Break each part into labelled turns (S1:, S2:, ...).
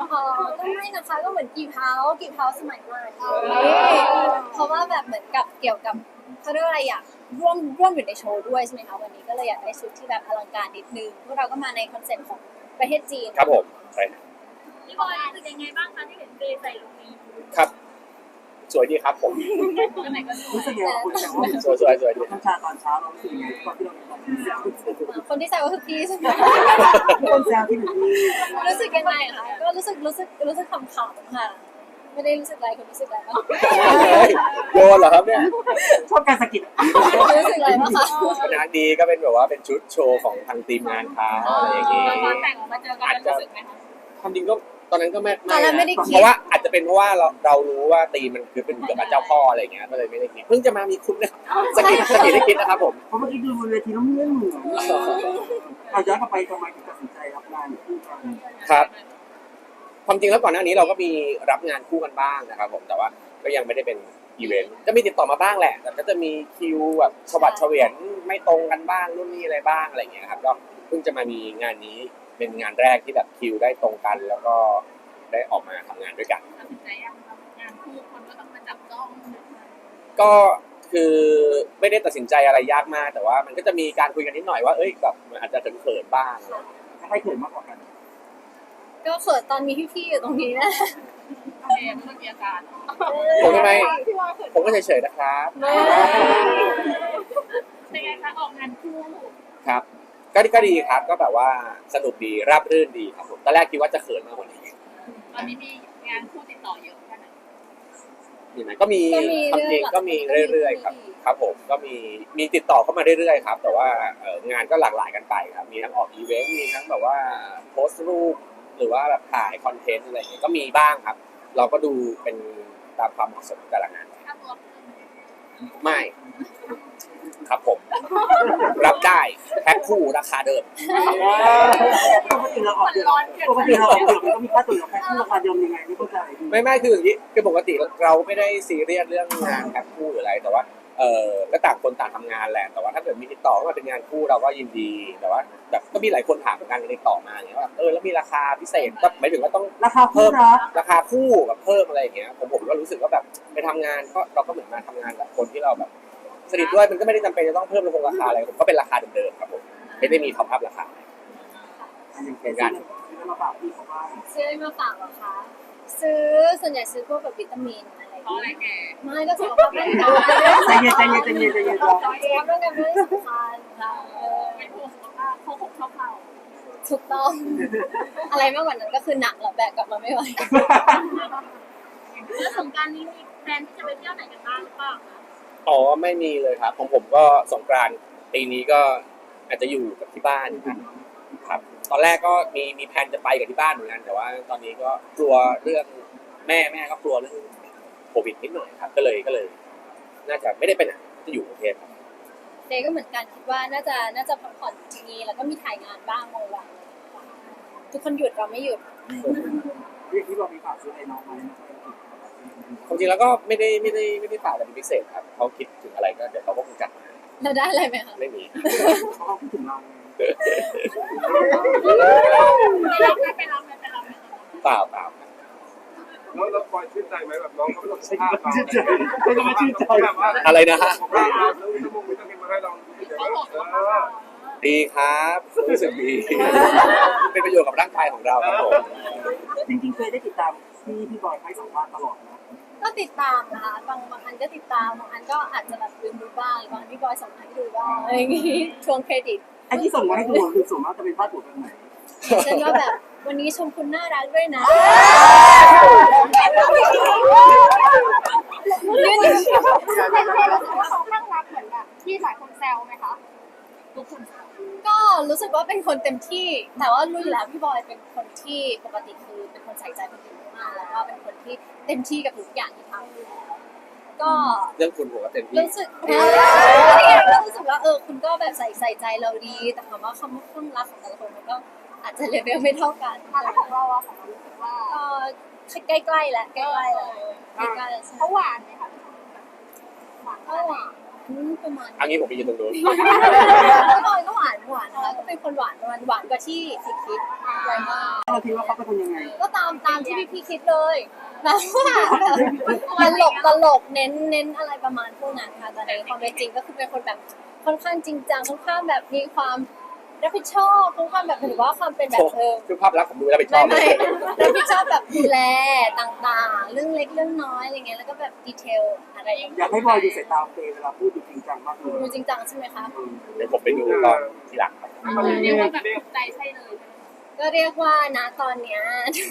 S1: อ๋อก็ไม่นะคะก็เหมือนกีบเฮาสมัยใหม่เพราะว่าแบบเหมือนกับเกี่ยวกับเขาเรียกว่าอะไรอยากร่วมอยู่ในโชว์ด้วยใช่ไหมคะวันนี้ก็เลยอยากได้ชุดที่แบบอลังการนิดนึงพวกเราก็มาในคอนเซ็ปต์ของประเทศจีน
S2: ครับผมใช่
S3: พี่บอยรู้สึกยังไงบ้างคะที่เห็นเบย์ใส่ลุคนี้
S2: ครับสวยดีครับผม
S3: ก็ไหนก็สว
S4: รู้
S3: ย
S4: สึกยังไงคุณแต่ว่า
S2: สวยดี
S4: น้ำชาตอนเช้าเรารู้สึกยังไงตอนที่เราเป็น
S1: คนที่ใส่ก็คือพี่ใช่ไหม
S4: คนแซวที่หนูมี
S1: รู้สึกยังไงคะก็รู้สึกขำๆค่ะไม่ได้รู้สึกอะไรคุณรู้สึกอะไรบ้าง
S2: โยนเหรอครับเนี่ย
S4: ชอบการสะกิด
S1: รู้สึกอะไรบ้างคะ
S2: งานดีก็เป็นแบบว่าเป็นชุดโชว์ของทางทีมงานเขาอะไรอย่างงี้
S3: ตอนแต่งออกมาเจอกันรู้สึกไหมคะ
S2: ความจริงก็ตอนนั้นก็ไม่
S1: ตอนนั้นไม่ได้
S2: เพ
S1: คิด
S2: ราะว่าอาจจะเป็นเพราะว่าเรารู้ว่าตีมมันคือเป็นเกี่ยวกับเจ้าพ่ออะไรอย่างเงี้ยก็เลยไม่ได้คิดเพิ่งจะมามีคุณเนี่ยสกิดได้คิดนะครับผม
S4: เพราะเมื่อกี้ดูบนเวทีแล้วเหมือนเอาย้อนกลับไปทำไมถึงตัดสินใจรับงานคู่กัน
S2: ครับความจริงแล้วก่อนหน้านี้เราก็มีรับงานคู่กันบ้างนะครับผมแต่ว่าก็ยังไม่ได้เป็นอีเวนต์ก็มีติดต่อมาบ้างแหละแต่ก็จะมีคิวแบบฉวัดเฉวียนไม่ตรงกันบ้างรุ่นนี้อะไรบ้างอะไรอย่างเงี้ยครับก็เพิ่งจะมามีงานนี้เป็นงานแรกที่แบบคิวได้ตรงกัน แล้วก็ได้ออกมาทำงานด้วยกัน
S3: ตัดสินใจยังคะงานคู่คนก็ต้องมาจับจ้อง
S2: ก็คือไม่ได้ตัดสินใจอะไรยากมากแต่ว่ามันก็จะมีการคุยกันนิดหน่อยว่าเอ้ยแบบมันอาจจะเขินๆบ้าง
S4: ให้เขินมากกว่ากัน
S1: ก็เขินตอนมีพี่ๆอยู่ตรงนี้นะ
S3: เบย์ไม่มีอาการ
S2: ผมทำไมผมก็เฉยๆนะครับ
S3: เป็นไงคะออกงานคู่
S2: ครับก็ดีครับก็แบบว่าสนุกดีราบรื่นดีครับผมตอนแรกคิดว่าจะเขินมากกว่านี้
S3: ตอนนี้มีงานคู่ติดต่อเยอะแค่ไหน
S2: มีไหมก็มีทำเองก็มีเรื่อยๆครับครับผมก็มีติดต่อเข้ามาเรื่อยๆครับแต่ว่างานก็หลากหลายกันไปครับมีทั้งออกอีเวนต์มีทั้งแบบว่าโพสต์รูปหรือว่าแบบถ่ายคอนเทนต์อะไรอย่างเงี้ยก็มีบ้างครับ เราก็ดูเป็นตามความเหมาะสมแต่ละงาน
S3: ค่าตัว
S2: ไม่ครับผม รับได้แพ็คคู่ราคาเดิม
S4: ปกติเราออกเดือนปกติเราออกเดือนมันก็มีค่าตัวแค่คู่ราคาเดิมยังไงไม่เข้าใจ
S2: ไม่คืออย่างนี้คือปกติเราไม่ได้ซีเรียสเรื่องงานแพ็คคู่หรืออะไรแต่ว่าก็ต่างคนต่างทำงานแหละแต่ว่าถ้าเกิดมีติดต่อมาเป็นงานคู่เราก็ยินดีแต่ว่าแบบก็มีหลายคนถามเหมือนกันติดต่อมาอย่างเงี้ยว่าแล้วมีราคาพิเศษก็หมายถึงว่าต้อง
S4: ราคาคู่รัก
S2: ราคาคู่แบบเพิ่มอะไรอย่างเงี้ยผมก็รู้สึกว่าแบบไปทำงานก็เราก็เหมือนมาทำงานกับคนที่เราแบบสนิทด้วยมันก็ไม่ได้จำเป็นจะต้องเพิ่มราคาอะไรผมก็เป็นราคาเดิมๆครับผมไม่ได้มีท็อปอัพราคา
S4: อย่างกันมาฝากพี่เขาบ้าง
S1: ซื้อมาฝากเหรอคะซื้อส่วนใหญ่ซื้อพวกแบบวิตามินอะไร
S3: เพราะอะไรแก
S1: ไม่ก็สุขภาพร่างกาย
S4: ใจเย็นใจเย็นใจเย็นใจเย็น
S1: สุขภาพร่างกายไม่ได้สำคัญค่ะ
S3: เป็นห่วงสุขภาพเขาชอบเขา
S1: ถูกต้อง อะไรมากกว่านั้นก็คือหนักแล้วแบกกลับมาไม่ไหว
S3: แล้วสงการนี้มีแพลนที่จะไปเที่ยวไหนกันบ้างหรือเปล่าคะ
S2: อ๋อไม่มีเลยครับของผมก็สงกรานต์ปีนี้ก็อาจจะอยู่กับที่บ้านครับตอนแรกก็มีแผนจะไปกับที่บ้านเหมือนกันแต่ว่าตอนนี้ก็กลัวเรื่องแม่ก็กลัวเรื่องโควิดนิดหน่อยครับก็เลยน่าจะไม่ได้ไปไหนจะอยู่กรุงเทพครับ
S1: เจก็เหมือนกันคิดว่าน่าจะพักผ่อนทีนี้แล้วก็มีถ่ายงานบ้างบางวันทุกคนหยุดเราไม่หยุด
S4: ที่เรามีฝากซื้อให้น้องไหม
S2: ความจริงแล้วก็ไม่ได้ฝากอะไรเป็นพิเศษครับเขาคิดถึงอะไรก็เดี๋ยวเขาก็คงจัดมา
S1: เราได้อะไรไหมคะ
S2: ไม่มี
S4: เขาคิดถึงเรา
S3: ไปรับไหม
S2: เปล่า
S5: แล้วปล่อยชื่นใจไหมแบบน้องเขาไม่ต้องภาพเรา
S4: ชื่นใจไม่ต้องมาชื่นใจ
S5: แบบว่า
S2: อะไรนะฮะ
S5: ภาพเราแล้ววิตามินมาให้เรา
S3: เขาบอกว่า
S2: ดีครับรู้สึกดี เป็นประโยชน์กับร่างกายของเราครับผม
S4: จริงๆเคยได้ติดตามพี่บอยให้สัมภาษณ์ตลอดนะ
S1: ก็ติดตามนะคะบางอันก็ติดตามบางอันก็อาจจะแบบลืมดูบ้างบางอันพี่บอยส่งมาให้ดูบ้างอะไรอย่างงี้ทวงเครดิต
S4: ไอ้ที่ส่งมาให้ดูคือส่วนมากจะเป็นพาดหัวแบบไหน
S1: เช่นว่าแบบวันนี้ชมคุณน่ารักด้วยนะยืนอยู่
S3: เป็นคนรู้สึกว่าเขาข้างรักเหมือนแบบที่หลายคนแซวไหมคะทุกคน
S1: ก็รู้สึกว่าเป็นคนเต็มที่ แต่ว่ารู้อยู่แล้วพี่บอยเป็นคนที่ปกติคือเป็นคนใส่ใจคนอื่นมากแล้วก็เป็นคนที่เต็มที่กับทุกอย่างที่ทำอยู่แล้วก็
S2: เรื่องคุณผมก็เต็มที่
S1: รู้สึกรู้สึกว่าคุณก็แบบใส่ใจเราดี แต่คำว่าความรักของแต่ละคนมันก็อาจจะเลเวลไม่เท่ากัน
S3: แล้วของเราอะของเรารู้สึกว่า
S1: ใกล้ๆแหละใกล้ๆแล้วใกล้ๆแล้ว
S3: เขาหวานไหมคะหวาน
S1: ก็หวานประมาณ
S2: อันนี้ผมไปยืนตรงนู้น
S1: พี่บอยก็หวานนะคะก็เป็นคนหวานกว่าที่คิดไว้มาก
S4: เราคิดว่าเขาเป็นคนยังไง
S1: ก็ตามที่พี่คิดเลยแบบว่าตลกเน้นอะไรประมาณพวกนั้นค่ะแต่ในความเป็นจริงก็คือเป็นคนแบบค่อนข้างจริงจังค่อนข้างแบบมีความรับผิดชอบค่อนข้างแบบถือว่าความเป็นแบบ
S2: คือภาพลักษณ์ผมดูแล้วไปชอบเล
S1: ไม่
S2: ย
S1: รับผิดชอบแบบดูแลต่างๆ เรื่องเล็กเรื่องน้อยอะไรเงี้ยแล้วก็แบบดีเทลอะไรอย่าง
S4: อ
S1: เงี้
S4: ยากให้บอยดูสายตาเฟย์เวลาพูดดูจริงจังมากเลย
S1: ดูจริงจังใช่ไหมคะ
S2: เดี๋ยวผมไปดูตอนทีหลังครับ
S3: เรียกว่าแบบถูกใจใช่เลย
S1: ก็เรียกว่านะตอนเนี้ย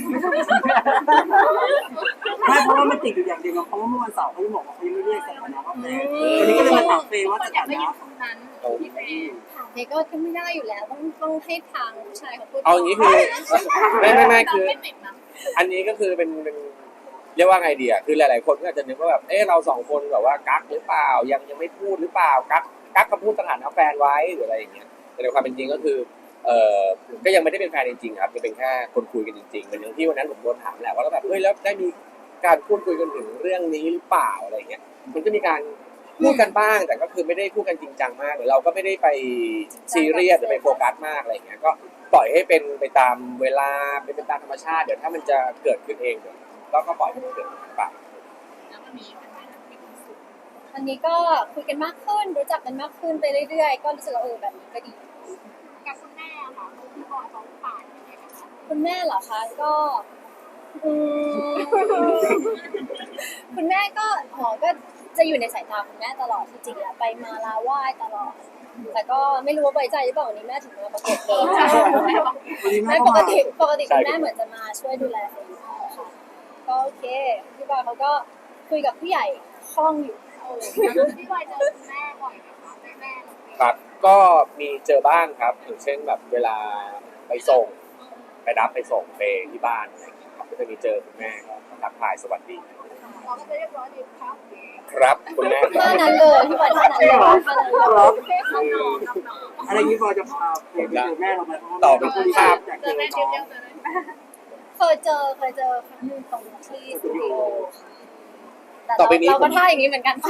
S4: ไม่เพราะว่ามันติดอยู่อย่างเดียวเพราะว่าเมื่อวันเสาร์เขาจะบอกว่าเขายังไม่เรียกสถานะว่าแฟนวันนี้ก็เลยมาถามเฟย์ว่าสถานะ
S3: คำนั้นพี่เฟย์
S1: ถามเด็กก็ไม่ได้อยู่แล้วต้องให้ทางผู้ชายเขาพูด
S2: เอาอย่างนี้คือไม่คือ
S3: ไม่ติดนะ
S2: อันนี้ก็คือเป็นเรียกว่าไงดีอ่ะคือหลายๆคนก็อาจจะนึกว่าแบบเราสองคนแบบว่ากักหรือเปล่ายังไม่พูดหรือเปล่ากักกับพูดสถานะแฟนไว้หรืออะไรอย่างเงี้ยแต่ในความเป็นจริงก็คือก็ยังไม่ได้เป็นแฟนจริงๆครับยังเป็นแค่คนคุยกันจริงๆเหมือนอย่างที่วันนั้นผมโดนถามแหละว่าแล้วแบบแล้วได้มีการพูดคุยกันถึงเรื่องนี้หรือเปล่าอะไรอย่างเงี้ยมันก็มีการพูดกันบ้างแต่ก็คือไม่ได้พูดกันจริงจังมากหรือเราก็ไม่ได้ไปซีเรียสหรือไปโฟกัสมากอะไรอย่างเงี้ยก็ปล่อยให้เป็นไปตามเวลาเป็นตามธรรมชาติเดี๋ยวถ้ามันจะเกิดขึ้นเองเดี๋ยวก็ปล่อยให้มันเกิดขึ้นไป
S3: แล้ววันนี้เป็นไงมีความสุข
S1: อันนี้ก็คุยกันมากขึ้นรู้จักกันมากขึ้นไปเรื่อยๆก็รู้สึกว่าแบบนี้ก็ดี
S3: กับคุณแม่ค่ะพี่บอยเขาผ่านยังไงนะคะ
S1: คุณแม่เหรอคะก็อืมคุณแม่ก็ก็จะอยู่ในสายตาคุณแม่ตลอดจริงๆแล้วไปมาลาไหว้ตลอดแต่ก็ไม่รู้ว่าไว้ใจหรือเปล่าวันนี้แม่ถึงมาประกบเลย
S4: วันนี้แม่
S1: ไม่
S4: ก็
S1: ปก
S4: มา
S1: ติคุณแม่เหมือนจะมาช่วยดูแลตัวเองค่ะก็โอเคพี่บอยเขาก็คุยกับผู้ใหญ่คล่องอยู่
S3: พี่บอยเจอคุณแม่บ่อยไหมคะแม่เรา
S2: ครับก็มีเจอบ้างครับอย่างเช่นแบบเวลาไปส่งไปรับไปส่งไปที่บ้านอะไรอย่างเงี้ยครับก็จะมีเจอคุณแม่ก็ทักทายสวัสดี
S3: เราก็จะเรียบร้อยดีครับ
S2: ครับคุณแม่ค
S1: ท่า
S2: รับ
S1: นั้นเลยพี่บอยท่านั้นเลยท่านั้นเลย
S3: น้องน้องน้อง
S4: อะไรนี้บอยจะพาเฟย์ไปเจอแม่เราไหมเพราะว่า
S2: ต่อเป็นภาพ
S4: อยาก
S3: เจ
S4: เจ
S3: อ
S4: อ
S3: แม่
S4: น้
S3: เดียว
S4: อง
S3: เจอเลย
S1: เคยเจอครั้งหนึงตรงที่สตูดิโอค่ะ
S2: ต่อไปนี้
S1: เราก็ท่าอย่างนี้เหมือนกันค่ะ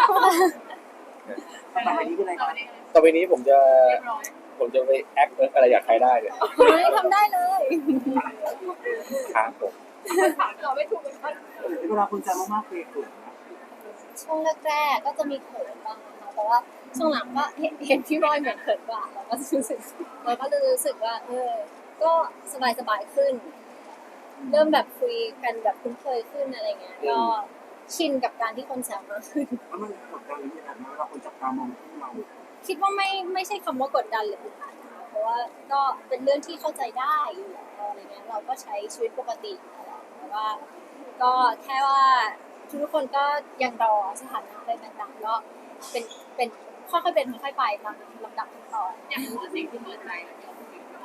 S4: ต่อไปนี้คืออะไรครับ
S2: ต่อไปนี้ผมจะ
S3: เรียบร้อย
S2: ไปแอคอะไรอยากใครได้เนี่ย
S1: เฮ้ยทำได้เลย
S2: ครับผม
S3: ถามเราไม่ถูกกัน
S4: เวลาคุณแซมมากๆเฟย์เกิดนะ
S1: ช่วงแรกๆก็จะมีเขินบ้างนะคะแต่ว่าช่วงหลังก็เห็นพี่บอยเหมือนเขินกว่าเราก็รู้สึกว่าก็สบายขึ้น เริ่มแบบคุยกันแบบคุ้นเคยขึ้นอะไรเงี้ยก็ชินกับการที่คนแซวมากขึ้น
S4: แล้วมันกดดันหรือยังไงเวลาคนจับตามองที่เรา
S1: คิดว่าไม่ใช่คำว่ากดดันหรืออึดอัดนะคะเพราะว่าก็เป็นเรื่องที่เข้าใจได้อยู่แล้วอะไรเงี้ยเราก็ใช้ชีวิตปกติแต่ว่าก็แค่ว่าทุกคนก็ยังรอสถานะอะไรต่างๆก็เป็นค่อยๆเป็นค่อยๆไปตามลำดับขั้นตอน
S3: อยากรู้สิ่งที่เปิดใจแล้วเนี่ย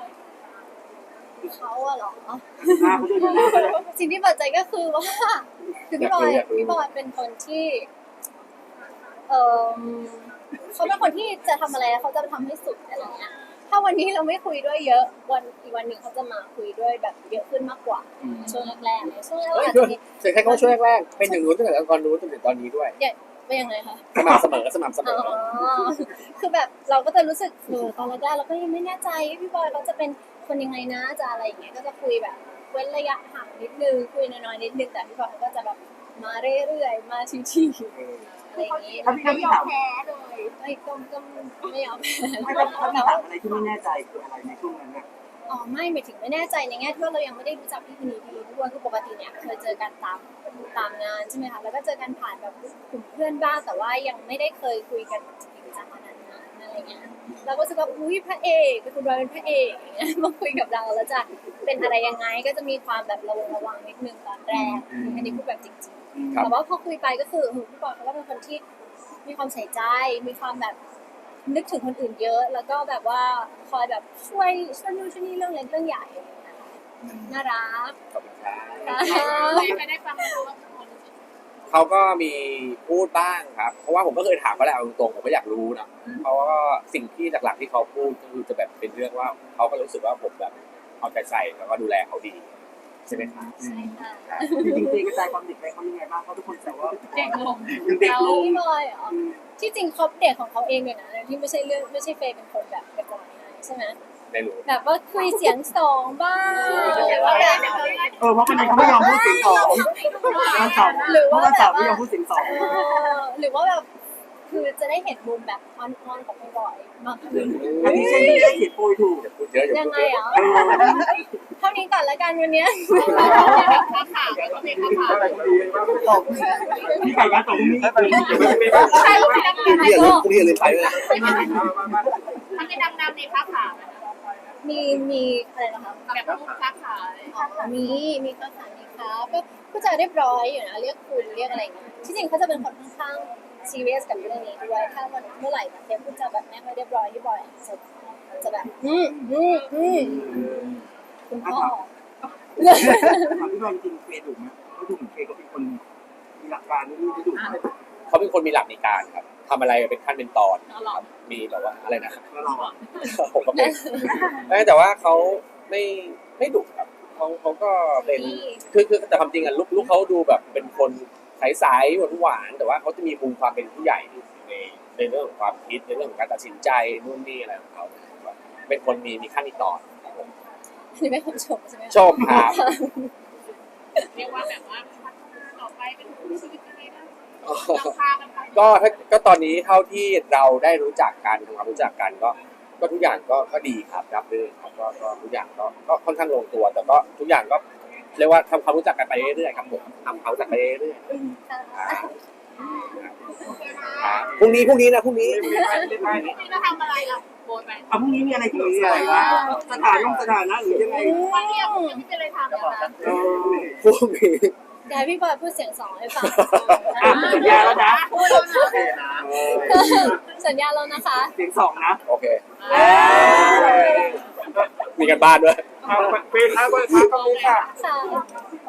S1: เขาอะเหรอ
S4: หน้าเขาด้วยหน้าเขาด้วย
S1: สิ่งที่เปิดใจก็คือว่าคือพี่บอยเป็นคนที่เออเขาเป็นคนที่จะทำอะไรเขาจะทำให้สุดอะไรเงี้ยถ้าวันนี้เราไม่คุยด้วยเยอะอีกวันหนึ่งเขาจะมาคุยด้วยแบบเยอะขึ้นมากกว่าช่วงแรกๆเลยช่วงแรก
S2: เฮ้ย
S1: อาจจะมี
S2: เสียงแค่เขาช่วยแรกๆเป็นอย่างนู้นตั้งแต่ตอนนู้นจนถึงตอนนี้ด้วย
S1: เป็นยังไงคะ
S2: สม่ำเสมอ
S1: อ๋อคือแบบเราก็จะรู้สึกตอนแรกๆเราก็ยังไม่แน่ใจพี่บอยเขาจะเป็นคนยังไงนะจะอะไรอย่างเงี้ยก็จะคุยแบบเว้นระยะห่างนิดนึงคุยน้อยๆนิดนึงแต่พี่บอยเขาก็จะแบบมาเรื่อยๆมาทีๆอะไรอย่างงี้
S4: ถ้าพี่
S3: ไม่
S4: พี่
S3: ยอ
S4: ถาม ม
S3: แพ้เลย
S1: ก็ไม่เอา
S4: ไม่ถ้าพี่ถามอะไรที่ไม่แน่ใจคืออะไรในช่วงนั้นน่ะ
S1: อ๋อไม่หมายถึงไม่แน่ใจในแง่ที่ว่าเรายังไม่ได้รู้จักพี่คนนี้ดีด้วยคือปกติเนี่ยเคยเจอกันตามงานใช่ไหมคะแล้วก็เจอกันผ่านแบบกลุ่มเพื่อนบ้างแต่ว่ายังไม่ได้เคยคุยกันจริงจังขนาดนั้นอะไรเงี้ยเราก็รู้สึกว่าอุ้ยพระเอกเป็นคุณบอยเป็นพระเอกอย่างเงี้ยมาคุยกับเราแล้วจะเป็นอะไรยังไงก็จะมีความแบบระวังนิดนึงตอนแรกอันนี้พูดแบบจริงๆแต่ว่าพอคุยไปก็คือพี่บอยเขาก็เป็นคนที่มีความใส่ใจมีความแบบนึกถึงคนอื่นเยอะ แล้วก็แบบว่าคอยแบบช่วยนู่นช่วยนี่เรื่องเล็กเรื่องใหญ่อะไรอย่างเงี้ยค่ะน่ารัก
S2: ขอบคุณครับ
S3: ไม่ได้ฟังเราว่าคน
S2: เขาก็มีพูดบ้างครับ เพราะว่าผมก็เคยถามเขาแหละเอาตรงๆผมก็อยากรู้นะเพราะว่าสิ่งที่หลักๆที่เขาพูดก็คือจะแบบเป็นเรื่องว่าเขาก็รู้สึกว่าผมแบบเอาใจใส่แล้วก็ดูแลเขาดีใช่ไหมครับ
S1: ใช่ค่ะ
S2: ครับ
S4: จริงๆเฟย์กระจายความเด็กไปเขายังไงบ้างเพราะทุกคนแซวว่า
S3: เด็กลง
S4: เด็กลง
S1: พี่บอยเหรอที่จริงเขาเด็กของเขาเองเลยนะที่ไม่ใช่เฟย์เป็นคนแบบกระจายให้ใช่ไหม
S2: ในหนู
S1: แบบว่าคุยเสียงสองบ้างว่าแบบ
S4: เพราะคนนี้เขาไม่ยอมพูดเสียงสองวันเสาร์ไม่ยอมพูดเสียงสอง
S1: หรือว่าแบบคือจะได้เห็นมุมแบบออนๆของพี่บอยมากขึ้น
S4: อันนี้ใช่ที่ได้เขียนโปรยถูก
S2: อย่าพูดเยอะอย่า
S1: ยัง
S2: พูด
S1: ไง
S2: เยอะ
S1: อ่ะเท่านี้ก่อนละกันวันเนี้ย
S3: ค้าขาไม่ต้องเป็นค้าขา
S5: อะไรก็ดีมาก
S4: ตกพี่ไก่ยัดตกนี่
S3: ใครรู้ไหมดัง
S2: เรียกเลยเรียกเลยไปเลย
S3: ทำเป็นดังๆในค้าขา
S1: มีอะไรนะคะ
S3: แบบลูกค้าขา
S1: มีข้าวสารมีครับก็จะเรียบร้อยอยู่นะเรียกคุณเรียกอะไรอย่างเงี้ยที่จริงเขาจะเป็นคนค่อนข้างซีเรียสกับเรื่องนี้ด้วยถ้ามันเมื่อไหร่แบบเทปคุณจะแบบไม่ค่อยเรียบร้อยที่บ่อยจะแบบคุณพ่อ
S4: ถามพี่บอลจริงเฟย์ดุไหมเขาดูเหมือนเฟย์ก็เป็นคนมีหลักการนี่ไม่ดุไหม
S2: เขาเป็นคนมีหลักในการครับทำอะไรเป็นขั้นเป็นตอนครับมีแบบว่าอะไรนะ
S4: แล้วเราอ่ะ
S2: ผมก็เป็นแต่ว่าเขาไม่ดุครับเขาก็เป็นคือแต่ความจริงอ่ะลูกเขาดูแบบเป็นคนใสๆหวานๆแต่ว่าเขาจะมีมุมความเป็นผู้ใหญ่ในเรื่องของความคิดในเรื่องของการตัดสินใจนู่นนี่อะไรของเขาเป็นคนมีขั้นมีตอนครับผม
S1: นี่ไม่คนชมใช่ไหม
S2: ชมครับ
S3: เรียกว่าแบบว่าพัฒนาต่อไปเป็นชีวิตยังไงนะพากันไป
S2: ก็ตอนนี้เท่าที่เราได้รู้จักกันทำความรู้จักกันก็ทุกอย่างก็ดีครับรับรื่นครับก็ทุกอย่างก็ค่อนข้างลงตัวแต่ก็ทุกอย่างก็เรียกว่าทำความรู้จักกันไปเรื่อยๆครับผมทำความรู้จักไปเรื่อยๆพรุ่งนี้นะพรุ่งนี้
S3: พี่จะทำอะไรล่ะโบนไป
S4: พรุ่งนี้มีอะไรที่มีอะไรวะสถานะหรือยังไง
S3: วันนี้ยังไม่เป็นอะไรทำเลยนะ
S2: พรุ่งนี้
S1: เดี๋ยวให้พี่บอยพูดเสียงสองให้ฟัง
S4: สัญญาแล้วนะ
S3: พูดแล้วนะ
S1: สัญญาแล้วนะคะ
S4: เสียงสองนะ
S2: โอเคมีกันบ้านด้วย
S5: เป็นท้าวันท้าตรงนี้ค่ะ
S1: ค่ะ